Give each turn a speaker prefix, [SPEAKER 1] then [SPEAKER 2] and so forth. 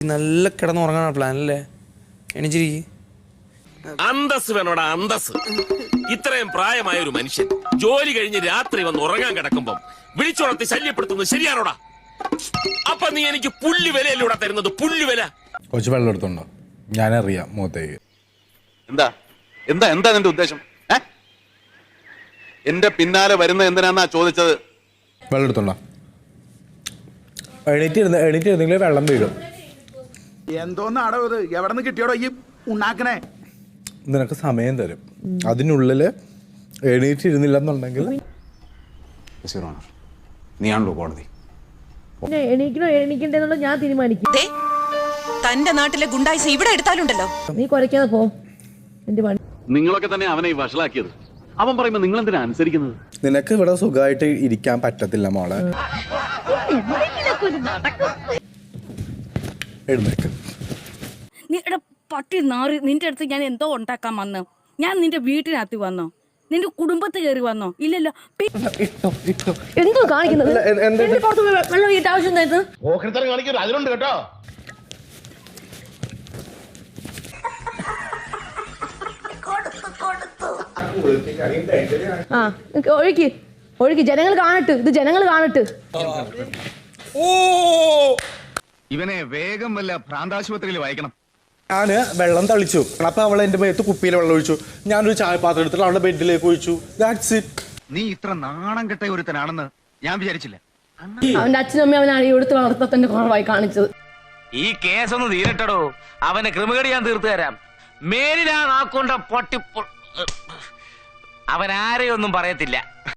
[SPEAKER 1] നല്ല കിടന്നുറങ്ങാനുള്ള പ്ലാൻ അല്ലേ? എണീച്ചിരിക്കും.
[SPEAKER 2] അന്തസ് വേണോടാ, അന്തസ്. ഇത്രയും പ്രായമായ ഒരു മനുഷ്യൻ ജോലി കഴിഞ്ഞ് രാത്രി വന്ന് ഉറങ്ങാൻ കിടക്കുമ്പം വിളിച്ചുണർത്തി ശല്യപ്പെടുത്തുന്നത് ശരിയാണോടാ? അപ്പൊ നീ എനിക്ക് പുല്ല് വിലയല്ലൂടെ തരുന്നത്, പുല്ല് വില.
[SPEAKER 3] കുറച്ച് വെള്ളം എടുത്തുണ്ടോ? ഞാനറിയാം മുഖത്തേക്ക്.
[SPEAKER 4] എന്താ എന്താ എന്താ നിന്റെ ഉദ്ദേശം? എന്റെ പിന്നാലെ വരുന്ന എന്തിനാന്നാ ചോദിച്ചത്?
[SPEAKER 3] വെള്ളം എടുത്തുണ്ടോ? എണീറ്റിരുന്നെങ്കിൽ വെള്ളം വീഴും.
[SPEAKER 5] എന്തോന്നാടോ ഇത്? എവിടെ നിന്ന് കിട്ടിയോടോ ഈ ഉണ്ടാക്കണേ?
[SPEAKER 3] നിനക്ക് സമയം തരും, അതിനുള്ളിൽ എണീറ്റിരുന്നില്ലെന്നുണ്ടെങ്കിൽ
[SPEAKER 4] നീയാണല്ലോ കോടതി.
[SPEAKER 6] എണീക്കണോ എണീക്കണ്ടെന്നുള്ളത് ഞാൻ തീരുമാനിക്കും.
[SPEAKER 7] തന്റെ നാട്ടിലെ ഗുണ്ടായിസ് ഇവിടെ എടുത്താലുണ്ടല്ലോ.
[SPEAKER 6] നീ കുറയ്ക്കാതെ പോ. എന്റെ പണി.
[SPEAKER 4] നിങ്ങളൊക്കെ തന്നെ അവനെ ഈ വഷളാക്കിയത്. അവൻ പറയുമ്പോ നിങ്ങൾ എന്തിനാ അനുസരിക്കുന്നത്?
[SPEAKER 3] നിനക്ക് ഇവിടെ സുഖമായിട്ട് ഇരിക്കാൻ പറ്റത്തില്ല മോളെ. എഴുന്നേക്ക്.
[SPEAKER 8] പട്ടി നാറി. നിന്റെ അടുത്ത് ഞാൻ എന്തോ ഉണ്ടാക്കാൻ വന്നോ? ഞാൻ നിന്റെ വീട്ടിനകത്ത് വന്നോ? നിന്റെ കുടുംബത്ത് കയറി വന്നോ? ഇല്ലല്ലോ.
[SPEAKER 6] എന്തോ കാണിക്കുന്നത്? വെള്ളം വീട്ട ആവശ്യം
[SPEAKER 5] അതിലുണ്ട് കേട്ടോ.
[SPEAKER 6] ആ ഒഴുക്കി ഒഴുക്കി, ജനങ്ങൾ കാണട്ട്, ഇത് ജനങ്ങൾ കാണട്ട്.
[SPEAKER 9] ഇവനെ വേഗം വല്ല ഭ്രാന്താശുപത്രിയിൽ വായിക്കണം.
[SPEAKER 3] ഞാന് വെള്ളം തളിച്ചു. അപ്പൊ അവൾ എന്റെ മേത്ത് കുപ്പിയിൽ വെള്ളം ഒഴിച്ചു. ഞാനൊരു ചായപാത്രം എടുത്തിട്ട് അവളുടെ ബെഡിലേക്ക് ഒഴിച്ചു. That's it.
[SPEAKER 9] നീ ഇത്ര നാണം കെട്ട ഒരുത്തനാണെന്ന് ഞാൻ വിചാരിച്ചില്ല.
[SPEAKER 6] അവന്റെ അച്ഛനും അമ്മയും അവനെ അടിയെടുത്ത് വളർത്തത്തിന്റെ കുറവായി കാണിച്ചത്.
[SPEAKER 10] ഈ കേസൊന്ന് തീരട്ടടോ, അവനെ ക്രിമികടി ഞാൻ തീർത്തു തരാം. മേലിലാ നാക്കൊണ്ട പൊട്ടി അവൻ ആരെയൊന്നും പറയത്തില്ല.